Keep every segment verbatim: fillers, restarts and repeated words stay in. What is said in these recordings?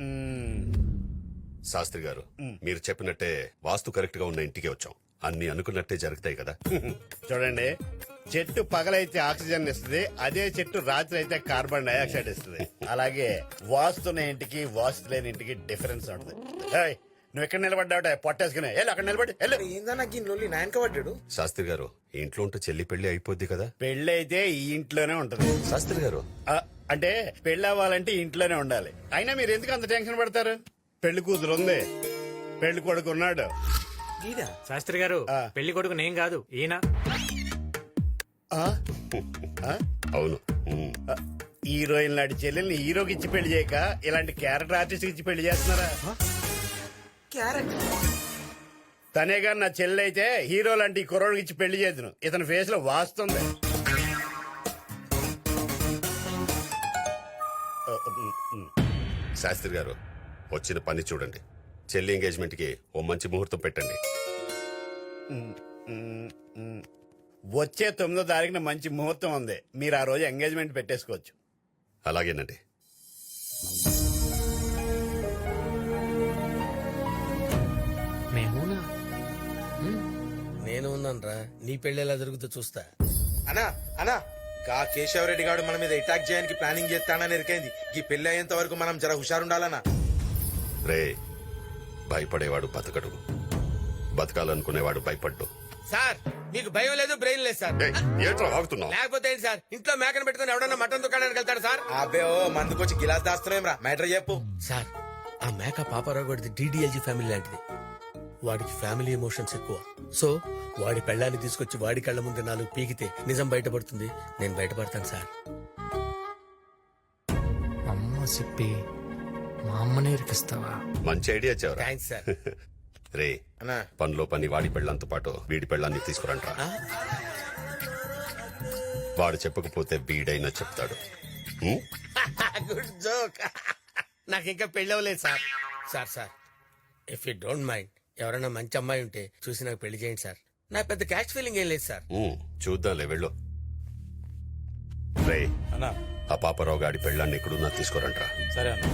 శాస్త్రి గారు మీరు చెప్పినట్టే వాస్తు కరెక్ట్ గా ఉన్న ఇంటికి వచ్చాం. అన్ని అనుకున్నట్టే జరుగుతాయి కదా. చూడండి, చెట్టు పగలైతే ఆక్సిజన్ ఇస్తుంది, అదే చెట్టు రాత్రి అయితే కార్బన్ డైఆక్సైడ్ ఇస్తుంది. అలాగే వాస్తున్న ఇంటికి వాస్తు లేని ఇంటికి డిఫరెన్స్ ఉంటుంది. ఏయ్, నువ్వు ఎక్కడ నిలబడ్డావుట పొట్టేసుకునే వెళ్ళు, అక్కడ నిలబడి వెళ్ళు. ఏందన్నా గిన్నె నాయనక పడ్డాడు. శాస్త్రి గారు ఇంట్లో ఉంటే చెల్లి పెళ్లి అయిపోద్ది కదా. పెళ్లి అయితే ఈ ఇంట్లోనే ఉంటది. శాస్త్రి గారు ఆ, అంటే పెళ్లి అవ్వాలంటే ఇంట్లోనే ఉండాలి. అయినా మీరు ఎందుకు అంత టెన్షన్ పడతారు? పెళ్లి కూతురు ఉంది, పెళ్లి కొడుకు ఉన్నాడు. శాస్త్రి గారు పెళ్లి కొడుకు నేను కాదు, ఈయన. ఆ? ఆ? అవును. ఉమ్. హీరోయిన్ లాంటి చెల్లెల్ని హీరోకి ఇచ్చి పెళ్లి చేయక ఇలాంటి క్యారెక్టర్ ఆర్టిస్ట్ ఇచ్చి పెళ్లి చేస్తున్నారా? తనేగా నా చెల్లి అయితే హీరో లాంటి కుర్రోడికి ఇచ్చి పెళ్లి చేద్దును. ఇతని ఫేస్ లో వాస్తుంది. శాస్త్రి గారు వచ్చిన పని చూడండి. చెల్లి ఎంగేజ్మెంట్ కి ఓ మంచి ముహూర్తం పెట్టండి. వచ్చే తొమ్మిదో తారీఖున మంచి ముహూర్తం ఉంది. మీరు ఆ రోజు ఎంగేజ్మెంట్ పెట్టేసుకోవచ్చు. అలాగేనండి. నేను ఉన్నానరా, నీ పెళ్లి ఎలా జరుగుతుందో చూస్తా. అనా అనా గా కేశవరెడ్డి గారు మన మీద అటాక్ చేయడానికి ప్లానింగ్ చేస్తానని ఎరికైంది. ఈ పెళ్లి అయ్యేంత వరకు మనం జర హుషారుండాలనా. రే, భయపడేవాడు బతకడు, బతకాలనుకునేవాడు భయపడ్డు. సార్ మీకు భయం లేదు, బ్రెయిన్ లేదు సార్. ఏంట్రా వాగుతున్నావు? లేకపోతే ఏంటి సార్, ఇంట్లో మేకను పెట్టుకుని ఎవడన్నా మటన్ దుకాణానికి వెళ్తాడు సార్? అబ్బే ఓ మందుకొచ్చి గిలాస్ దాస్తున్నాం రా. మ్యాటర్ చెప్పు సార్. ఆ మేక పాపారావు గడిది డిడిఎల్జీ ఫ్యామిలీ లాంటిది. వాడికి ఫ్యామిలీ ఎమోషన్స్ ఎక్కువ. సో వాడి పెళ్ళాన్ని తీసుకొచ్చి వాడి కళ్ళ ముందు నాలుగు పీకితే నిజం బయటపడుతుంది. నేను బయటపడతాను సార్. అమ్మ సిప్పి, మా అమ్మనే ఇరికిస్తావా? మంచి ఐడియా చెవరా. Thanks sir. రే, అన్నా పనిలో పని వాడి పెళ్ళంతో పాటు వీడి పెళ్ళాన్ని తీసుకురంట్రా. వాడు చెప్పకపోతే వీడైనా చెప్తాడు. Good joke. నాకు ఇంకా పెళ్ళి అవ్వలేదు sir. Sir sir if you don't mind ఎవరైనా మంచి అమ్మాయి ఉంటే చూసి నాకు పెళ్లి చేయండి సార్. నాకు పెద్ద క్యాష్ ఫీలింగ్ ఏం లేదు సార్. ఉమ్, చూద్దాంలే వెళ్ళు. రే, అన్నా ఆ పాపారావు గాడి పెళ్ళాన్ని ఎక్కడున్నా తీసుకురంట్రా. సరే అన్న.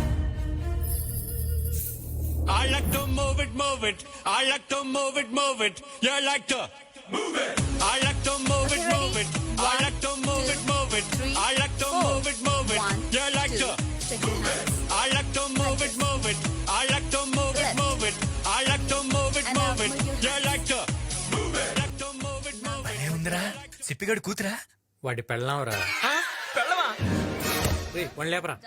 I like to move it, move it. I like to move it, move it. You like to move it. I like to move it, move it. I like to move it, move it. I like to move it, move it. You like to move it. I like to move it, move it. I like to move it, move it. I like to move it, move it. You like to move it. Like to move it, move it. ఏముందిరా, సిప్పిగడు కూతురా? వాడి పెళ్ళాంరా. పెళ్ళమా? One లేపరా.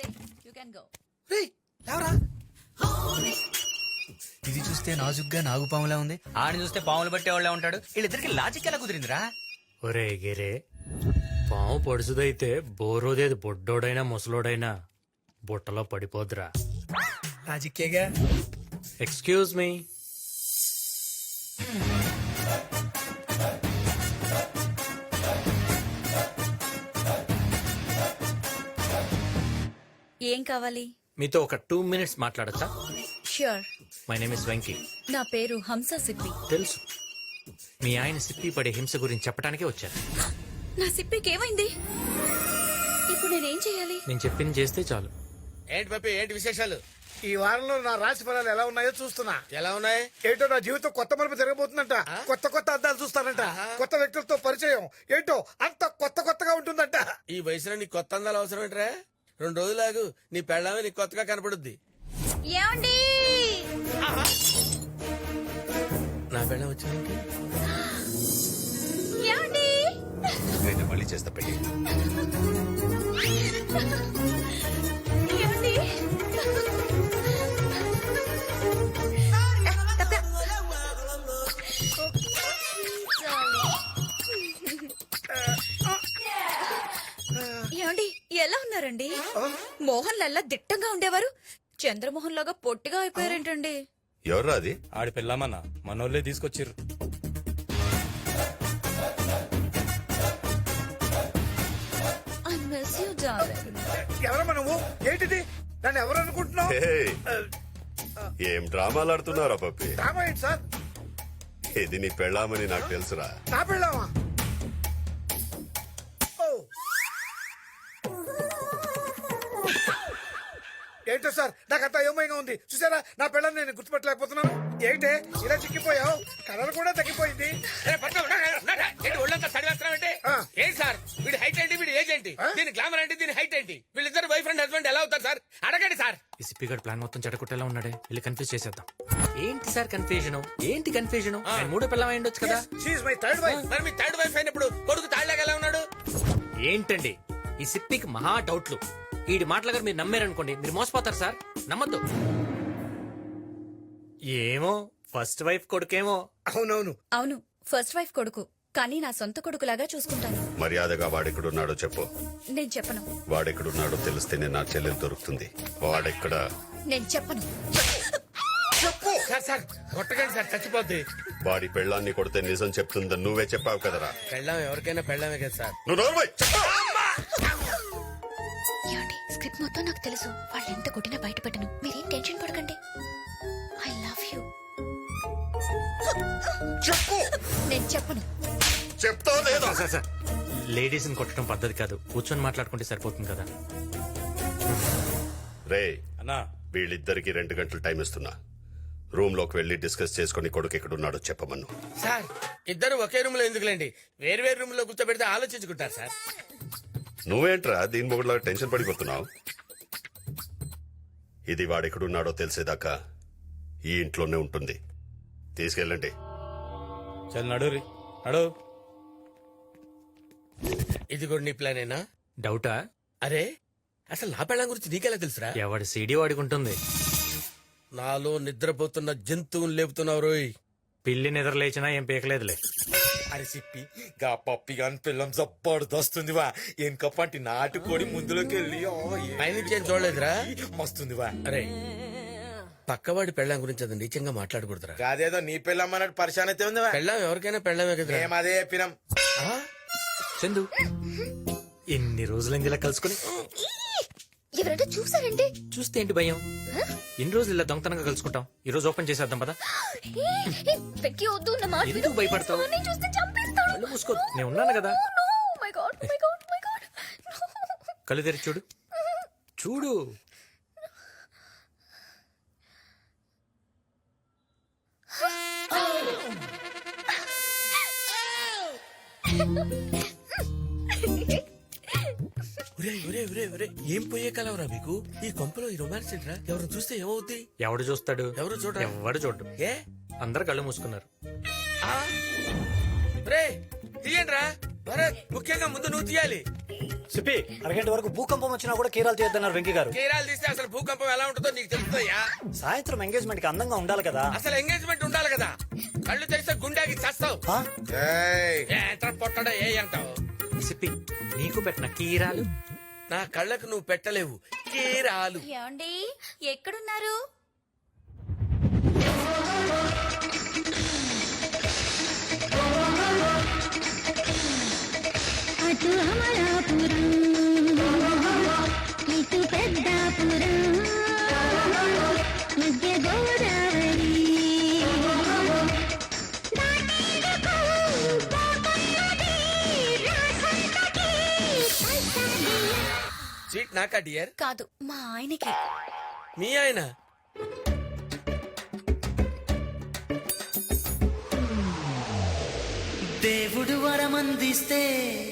ఇది చూస్తే నాజుగ్గా నాగుపాములా ఉంది, ఆడిని చూస్తే పాములు పట్టేవాళ్ళే ఉంటాడు. వీళ్ళిద్దరికి లాజిక్ ఎలా కుదిరిందిరా? ఒరే గిరే, పాము పొడుసుదైతే బోరోదేది బొడ్డోడైనా ముసలోడైనా బుట్టలో పడిపోద్దురా. లాజిక్కేగా. Excuse me. ఏం కావాలి? మీతో ఒక టూ మినిట్స్ మాట్లాడచ్చా? Sure. My name is Venky. నా పేరు హంస సిప్పి. తెలుసు, మీ ఆయన సిప్పి పడే హింస గురించి చెప్పడానికే వచ్చాను. నా సిప్పికి ఏమైంది? ఇప్పుడు నేనేం చేయాలి? నేను చెప్పింది చేస్తే చాలు. ఏంటి పప్పి, ఏంటి విశేషాలు? ఈ వారంలో నా రాశి ఫలాలు ఎలా ఉన్నాయో చూస్తున్నా. ఎలా ఉన్నాయి? ఏంటో నా జీవితం కొత్త మలుపు జరగబోతుందంట. కొత్త కొత్త అద్దాలు చూస్తానంట. కొత్త వ్యక్తులతో పరిచయం. ఏంటో అంత కొత్త కొత్తగా ఉంటుందంట. ఈ వయసులో నీకు కొత్త అందాలు అవసరం ఏంట్రా? రెండు రోజులాగు నీ పెళ్ళామే నీకు కొత్తగా కనపడుద్ది. ఏమండి? నా పెళ్ళం వచ్చింది. ఏమండి? నేను మళ్ళీ చేస్తా పెళ్లి. ఏమండి? ఏమండి, ఎలా ఉన్నారండి? మోహన్ లల్లా దిట్టంగా ఉండేవారు, చంద్రమోహన్ లాగా పొట్టిగా అయిపోయారేంటండి? ఎవర్రా అది? ఆడి పెళ్ళామన్నా మనోళ్ళే తీసుకొచ్చిర్రు. I miss you darling. ఎవరమ్మా నువ్వు? ఏంటిది? నన్ను ఎవరు అనుకుంటున్నావు? హే, ఏం డ్రామాలు ఆడుతున్నారా పప్పి? డ్రామా ఏంటి సార్? ఇది నీ పెళ్ళామని నాకు తెలుసురా. నా పెళ్ళామా? ఏంటో సార్ నాకంతా అయోమయంగా ఉంది. చూసారా నా పిల్లల్ని నేను గుర్తుపట్టలేకపోతున్నాను. ఏంటే ఇలా చిక్కిపోయావు? కలర్ కూడా తగ్గిపోయింది. ఏ, పట్టు, ఉన్నాడా, ఉన్నాడా? ఏంటి ఒళ్ళంతా చదివేస్తున్నావంటే ఆ. ఏంటి సార్ వీడి హైట్ ఏంటి వీడి ఏజ్ ఏంటి దీని గ్లామర్ ఏంటి దీని హైట్ ఏంటి వీళ్ళిద్దరు వైఫ్ అండ్ హస్బెండ్ ఎలా అవుతారు సార్ అడగండి సార్. ఈ సిప్పి గడ్ ప్లాన్ మొత్తం చెడగొట్టేలా ఉన్నాడే, వెళ్ళి కన్ఫ్యూజ్ చేసేద్దాం. ఏంటి సార్ కన్ఫ్యూజన్? ఏంటి కన్ఫ్యూజన్? ఆయన మూడో పిల్లం అయి ఉండొచ్చు కదా. She's my third wife. మరి మీ థర్డ్ వైఫ్ అయినప్పుడు కొడుకు తాళ్ళగా ఎలా ఉన్నాడు? ఏంటండి ఈ సిప్పికి మహా డౌట్లు. ఈడి మాటల గారు మీరు నమ్మారనుకోండి, మీరు మోసపోతారు సార్, నమ్మద్దు. ఏమో ఫస్ట్ వైఫ్ కొడుకేమో. అవునవును. అవును, ఫస్ట్ వైఫ్ కొడుకు, కానీ నా సొంత కొడుకులాగా చూసుకుంటాను. మర్యాదగా వాడెక్కడున్నాడో చెప్పు. నేను చెప్పను. వాడెక్కడున్నాడో తెలిస్తేనే నా చెల్లెలు దొరుకుతుంది. వాడెక్కడ? నేను చెప్పను. సార్ సార్ కొట్టకండి సార్ చచ్చిపోద్ది. వాడి పెళ్ళాన్ని కొడితే నిజం చెప్తుందని నువ్వే చెప్పావు కదరా. పెళ్ళాం ఎవరికైనా పెళ్ళామే కదా సార్. నువ్వు నోర్మై. ఏమండి, స్క్రిప్ట్ మొత్తం నాకు తెలుసు. వాళ్ళు ఎంత కొట్టినా బయట పెట్టను. మీరేం టెన్షన్ పడకండి. I love you. చెప్పు. నేను చెప్పను. చెప్తావు లేదా? సార్ సార్ లేడీస్ ని కొట్టడం పద్ధతి కాదు, కూర్చొని మాట్లాడుకుంటే సరిపోతుంది కదా. రే, అన్నా వీళ్ళిద్దరికి రెండు గంటలు టైం ఇస్తున్నా. రూమ్ లోకి వెళ్లి డిస్కస్ చేసుకుని కొడుకు ఎక్కడున్నాడో చెప్పమను. సార్ ఇద్దరు ఒకే రూమ్ లో ఎందుకులేండి, వేరు వేరు రూమ్ లో కూర్చోబెడితే ఆలోచించుకుంటారు సార్. నువ్వేంట్రా దీని మొగుడులా టెన్షన్ పడిపోతున్నావు? ఇది వాడెక్కడున్నాడో తెలిసేదాకా ఈ ఇంట్లోనే ఉంటుంది. తీసుకెళ్ళండి. చల్ నడు రీ నడు. ఇది కూడా నీ ప్లానేనా? డౌటా? అరే అసలు నా పెళ్ళం గురించి నీకెలా తెలుసురా? ఎవడి సీడీ వాడికి ఉంటుంది. నాలో నిద్రపోతున్న జంతువుని లేపుతున్నావు రోయ్. పిల్లి నిద్ర లేచినా ఏం పీకలేదులే. అరే సిప్పి గా పప్పి గాని పిల్లం జబ్బర్దొస్తుంది వా. ఎనకప్పంటి నాటుకోడి ముందులోకి వెళ్ళి పైనుంచి ఏం చూడలేదురా? మస్తుంది వా. అరే పక్కవాడి పెళ్ళం గురించి అది నీచంగా మాట్లాడకూడదురా. కాదేదో నీ పిల్లం అన్నట్టు పరిశాన్ అయితే ఉంది వా. పెళ్ళం ఎవరికైనా పెళ్ళమే కదా. మేము అదే చెప్పినాం. చందు ఎన్ని రోజులైంది ఇలా కలుసుకుని. ఎవరైనా చూసారండి? చూస్తే ఏంటి భయం? ఎన్ని రోజులు ఇలా దొంగతనంగా కలుసుకుంటాం. ఈ రోజు ఓపెన్ చేసేద్దాం పదా. వెక్కి వద్దు, నా మాట విను. ఎందుకు భయపడతావు? నేను చూస్తే చంపేస్తాను. కళ్ళు మూసుకో, నేను ఉన్నాను కదా. No, my God, my God, my God. No. కళ్ళు తెరిచి చూడు, చూడు. ఒరే ఒరే ఒరే ఒరే ఏం పోయే కలవరా మీకు? ఈ కొంపలో ఈ రొమాన్స్ ఏంట్రా? ఎవరు చూస్తే ఏమవుద్ది? ఎవడు చూస్తాడు? ఎవరు చూడరా? ఎవడు చూడు. ఏ అందరు కళ్ళు మూసుకున్నారు. రే తీయండిరా భరత్, ముఖ్యంగా ముందు నువ్వు తీయాలి. సిప్పి అరగంట వరకు భూకంపం వచ్చినా కూడా కీరాలు తీయొద్దన్నారు వెంకీ గారు. కేరాలు తీస్తే అసలు భూకంపం ఎలా ఉంటుందో నీకు తెలుస్తుందయ్యా. సాయంత్రం ఎంగేజ్మెంట్ కి అందంగా ఉండాలి కదా. అసలు ఎంగేజ్మెంట్ ఉండాలి కదా. కళ్ళు తెరిస్తే గుండాకి చేస్తావు. ఆ? ఎంత పొట్టడా ఏ అంటావు? సిప్పి నీకు పెట్టిన కీరాలు నా కళ్ళకు నువ్వు పెట్టలేవు కీరాలు. ఏమండి, ఎక్కడున్నారు? అటు అమలాపురం, ఇటు పెద్దాపురం, మధ్య గోదావరి సీట్ నాకా డియర్? కాదు, మా ఆయనకి. మీ ఆయన? దేవుడు వరమందిస్తే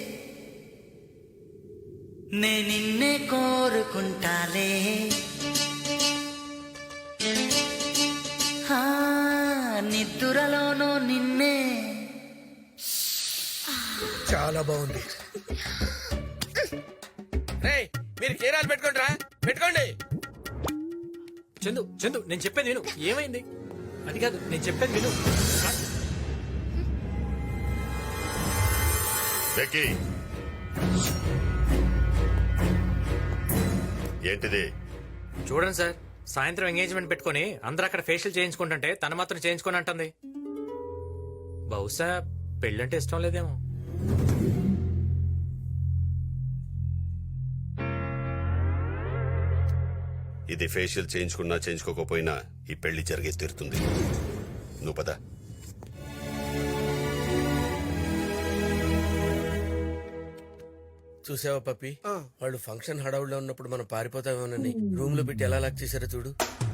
నే నిన్నే కోరుకుంటాలే. ఆ, నిద్దురలోనూ నిన్నే. చాలా బాగుంది. రేయ్ మీరు కీరాలు పెట్టుకోండి రా, పెట్టుకోండి. చందు చందు నేను చెప్పేది విను. ఏమైంది? అది కాదు, నేను చెప్పేది విను. వెక్కి, ఏంటిది? చూడండి సార్, సాయంత్రం ఎంగేజ్మెంట్ పెట్టుకుని అందరూ అక్కడ ఫేషియల్ చేయించుకుంటుంటే తను మాత్రం చేయించుకొని అంటుంది. బహుశా పెళ్ళంటే ఇష్టం లేదేమో. ఇది ఫేషియల్ చేయించుకున్నా చేయించుకోకపోయినా ఈ పెళ్లి జరిగే తీరుతుంది. నువ్వు పద. చూసావా పప్పి వాళ్ళు ఫంక్షన్ హడావుల్లో ఉన్నప్పుడు మనం పారిపోతామేమోనని రూమ్ లో పెట్టి ఎలా లాక్ చేశారో చూడు